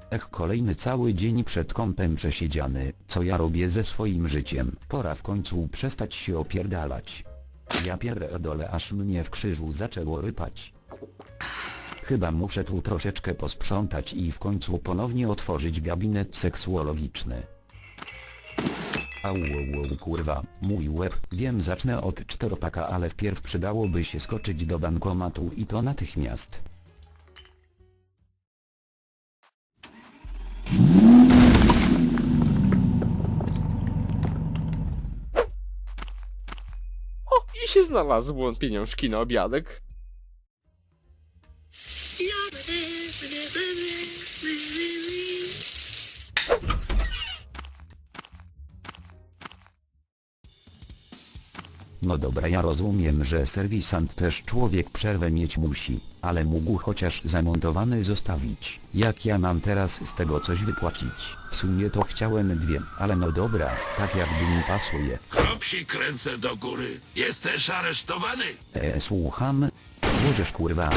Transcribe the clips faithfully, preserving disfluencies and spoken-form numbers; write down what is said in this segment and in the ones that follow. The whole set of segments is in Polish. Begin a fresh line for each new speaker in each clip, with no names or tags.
Ech, kolejny cały dzień przed kąpem przesiedziany. Co ja robię ze swoim życiem? Pora w końcu przestać się opierdalać. Ja pierdolę, aż mnie w krzyżu zaczęło rypać. Chyba muszę tu troszeczkę posprzątać i w końcu ponownie otworzyć gabinet seksuologiczny. Au, au, au, kurwa, mój łeb. Wiem, zacznę od czteropaka, ale wpierw przydałoby się skoczyć do bankomatu i to natychmiast.
O, i się znalazło pieniążki na obiadek.
No dobra, ja rozumiem, że serwisant też człowiek przerwę mieć musi, ale mógł chociaż zamontowany zostawić. Jak ja mam teraz z tego coś wypłacić? W sumie to chciałem dwie, ale no dobra, tak jakby mi pasuje.
Kropsik ręce do góry. Jesteś aresztowany.
Eee, słucham? Możesz kurwa.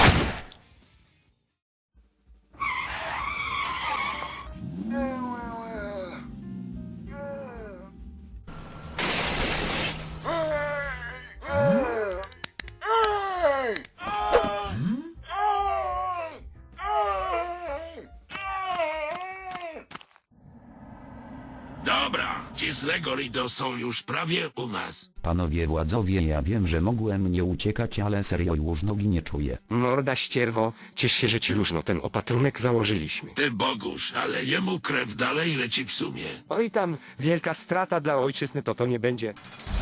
Dobra, ci z Legorido są już prawie u nas.
Panowie władzowie, ja wiem, że mogłem nie uciekać, ale serio już nogi nie czuję.
Morda ścierwo, ciesz się, że ci luźno ten opatrunek założyliśmy.
Ty Bogusz, ale jemu krew dalej leci w sumie.
Oj tam, wielka strata dla ojczyzny to to nie będzie.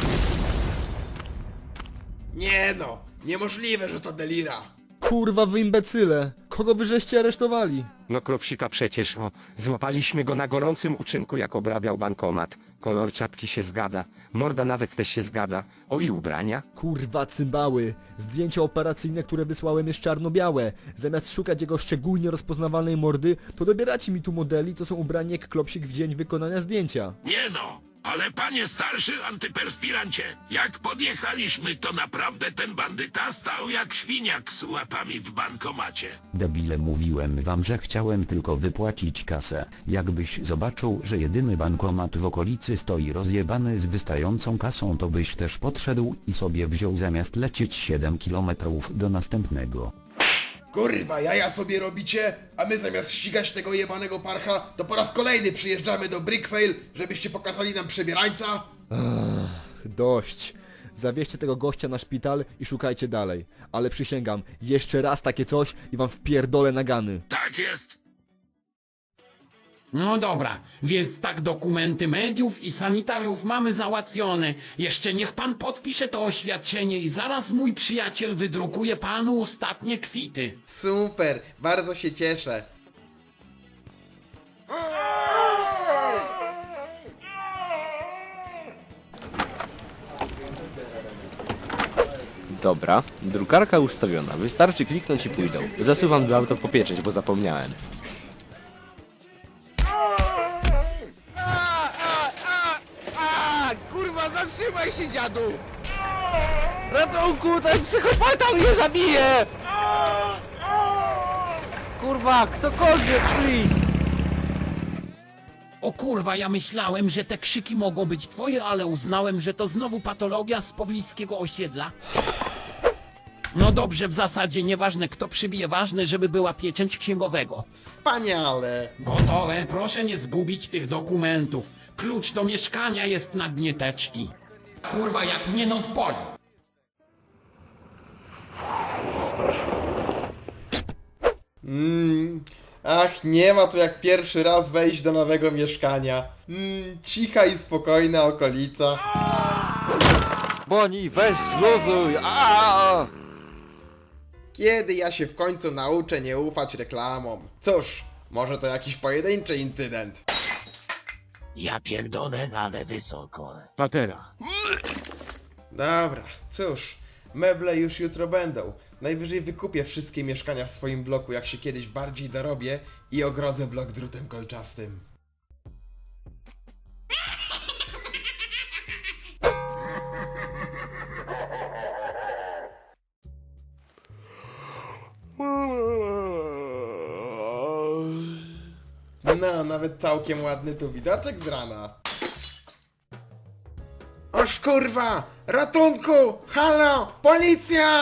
Nie no, niemożliwe, że to Delira.
Kurwa wy imbecyle! Kogo wy żeście aresztowali?
No Kropsika przecież, o, złapaliśmy go na gorącym uczynku, jak obrabiał bankomat. Kolor czapki się zgadza, morda nawet też się zgadza. O i ubrania?
Kurwa cymbały! Zdjęcia operacyjne, które wysłałem jest czarno-białe. Zamiast szukać jego szczególnie rozpoznawalnej mordy, to dobieracie mi tu modeli, co są ubrani jak Klopsik w dzień wykonania zdjęcia.
Nie no, ale panie starszy antyperspirancie, jak podjechaliśmy, to naprawdę ten bandyta stał jak świniak z łapami w bankomacie.
Debile, mówiłem wam, że chciałem tylko wypłacić kasę. Jakbyś zobaczył, że jedyny bankomat w okolicy stoi rozjebany z wystającą kasą, to byś też podszedł i sobie wziął zamiast lecieć siedem kilometrów do następnego.
Kurwa, jaja sobie robicie, a my zamiast ścigać tego jebanego parcha, to po raz kolejny przyjeżdżamy do Brickfail, żebyście pokazali nam przebierańca?
Dość. Zawieźcie tego gościa na szpital i szukajcie dalej. Ale przysięgam, jeszcze raz takie coś i wam wpierdolę nagany.
Tak jest.
No dobra, więc tak dokumenty mediów i sanitariów mamy załatwione. Jeszcze niech pan podpisze to oświadczenie i zaraz mój przyjaciel wydrukuje panu ostatnie kwity.
Super, bardzo się cieszę.
Dobra, drukarka ustawiona, wystarczy kliknąć i pójdą. Zasuwam do auto popieczeć, bo zapomniałem.
Kurwa, zatrzymaj się, dziadu! Ratunku, ten psychopata mnie zabije! Kurwa, ktokolwiek, please!
O kurwa, ja myślałem, że te krzyki mogą być twoje, ale uznałem, że to znowu patologia z pobliskiego osiedla. No dobrze, w zasadzie nieważne kto przybije, ważne, żeby była pieczęć księgowego.
Wspaniale.
Gotowe, proszę nie zgubić tych dokumentów. Klucz do mieszkania jest na dnie teczki. Kurwa, jak mnie nos boli.
Mmm, ach, nie ma tu jak pierwszy raz wejść do nowego mieszkania. Mmm, cicha i spokojna okolica.
Boni, weź zluzuj! Aaaa!
Kiedy ja się w końcu nauczę nie ufać reklamom? Cóż, może to jakiś pojedynczy incydent.
Ja pierdolę, ale wysoko.
Patera.
Dobra, cóż, meble już jutro będą. Najwyżej wykupię wszystkie mieszkania w swoim bloku, jak się kiedyś bardziej dorobię i ogrodzę blok drutem kolczastym. No, nawet całkiem ładny tu widoczek z rana. Oż kurwa! Ratunku! Halo! Policja!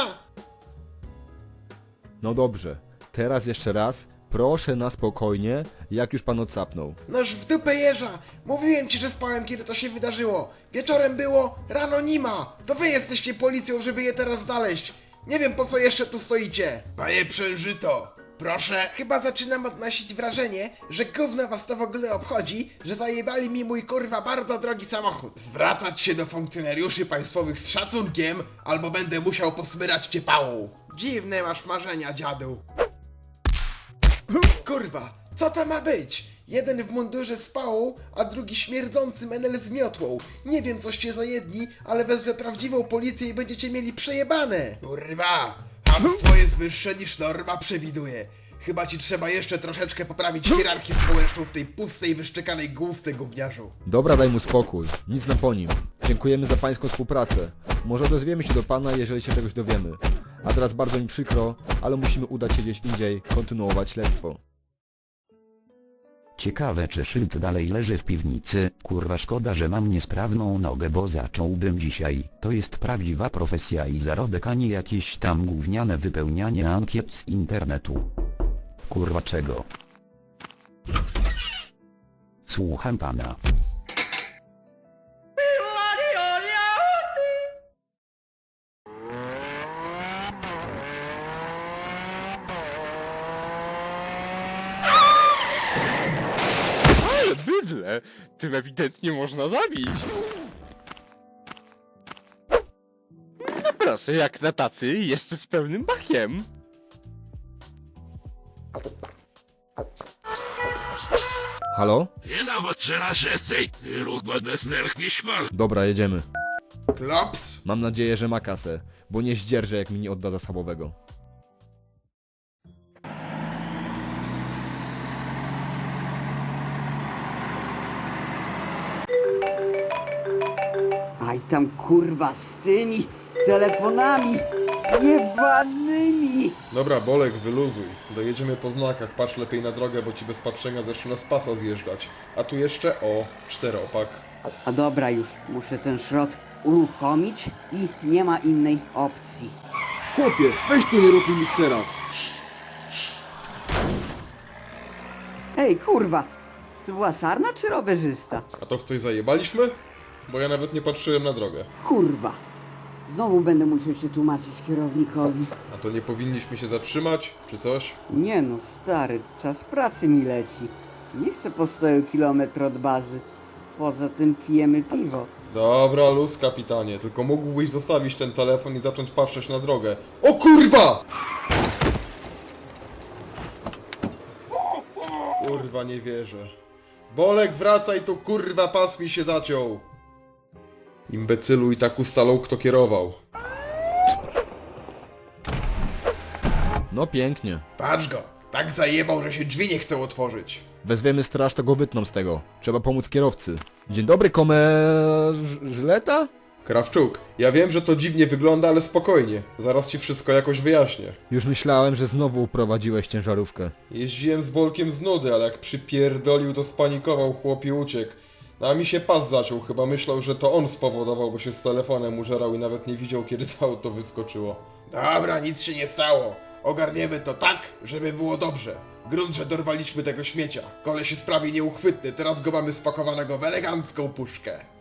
No dobrze, teraz jeszcze raz, proszę na spokojnie, jak już pan odsapnął.
Noż w dupę jeża! Mówiłem ci, że spałem, kiedy to się wydarzyło. Wieczorem było, rano nie ma. To wy jesteście policją, żeby je teraz znaleźć. Nie wiem, po co jeszcze tu stoicie. Panie Przężyto, proszę. Chyba zaczynam odnosić wrażenie, że gówno was to w ogóle obchodzi, że zajebali mi mój kurwa bardzo drogi samochód. Zwracać się do funkcjonariuszy państwowych z szacunkiem, albo będę musiał posmyrać cię pałą. Dziwne masz marzenia, dziadu. Kurwa, co to ma być? Jeden w mundurze z pałą, a drugi śmierdzący menel z miotłą. Nie wiem, coście za jedni, ale wezwę prawdziwą policję i będziecie mieli przejebane. Kurwa, hamstwo jest wyższe niż norma przewiduje. Chyba ci trzeba jeszcze troszeczkę poprawić hierarchię społeczną w tej pustej, wyszczekanej główce, gówniarzu.
Dobra, daj mu spokój, nic na po nim. Dziękujemy za pańską współpracę. Może odezwiemy się do pana, jeżeli się czegoś dowiemy. A teraz bardzo mi przykro, ale musimy udać się gdzieś indziej, kontynuować śledztwo.
Ciekawe czy szyld dalej leży w piwnicy, kurwa szkoda, że mam niesprawną nogę, bo zacząłbym dzisiaj. To jest prawdziwa profesja i zarobek, a nie jakieś tam gówniane wypełnianie ankiet z internetu. Kurwa czego? Słucham pana.
Ale bydle! Tym ewidentnie można zabić! No proszę, jak na tacy, jeszcze z pełnym bakiem!
Halo?
Nie nawet, że nasz esej, ruch bez nerchnie śmal.
Dobra, jedziemy.
Klops?
Mam nadzieję, że ma kasę, bo nie zdzierżę, jak mi nie odda zasobowego.
Aj tam kurwa z tymi telefonami jebanymi!
Dobra, Bolek, wyluzuj. Dojedziemy po znakach, patrz lepiej na drogę, bo ci bez patrzenia zaczyna z pasa zjeżdżać. A tu jeszcze, o, czteropak.
A dobra już, muszę ten szrot uruchomić i nie ma innej opcji.
Chłopie, weź tu nie rób mi miksera.
Ej kurwa, to była sarna czy rowerzysta?
A to w coś zajebaliśmy? Bo ja nawet nie patrzyłem na drogę.
Kurwa, znowu będę musiał się tłumaczyć kierownikowi.
A to nie powinniśmy się zatrzymać, czy coś?
Nie no stary, czas pracy mi leci. Nie chcę postoju kilometr od bazy. Poza tym pijemy piwo.
Dobra, luz, kapitanie, tylko mógłbyś zostawić ten telefon i zacząć patrzeć na drogę. O kurwa! Kurwa, nie wierzę. Bolek, wracaj tu, kurwa, pas mi się zaciął. Imbecylu i tak ustalał, kto kierował.
No pięknie.
Patrz go, tak zajebał, że się drzwi nie chcą otworzyć.
Wezwiemy straż, to go wytną z tego. Trzeba pomóc kierowcy. Dzień dobry, komerzleta?
Krawczuk, ja wiem, że to dziwnie wygląda, ale spokojnie. Zaraz ci wszystko jakoś wyjaśnię.
Już myślałem, że znowu uprowadziłeś ciężarówkę.
Jeździłem z Bolkiem z nudy, ale jak przypierdolił, to spanikował chłop i uciekł. No a mi się pas zaciął, chyba myślał, że to on spowodował, bo się z telefonem użerał i nawet nie widział, kiedy to auto wyskoczyło. Dobra, nic się nie stało. Ogarniemy to tak, żeby było dobrze. Grunt, że dorwaliśmy tego śmiecia. Koleś jest prawie nieuchwytny, teraz go mamy spakowanego w elegancką puszkę.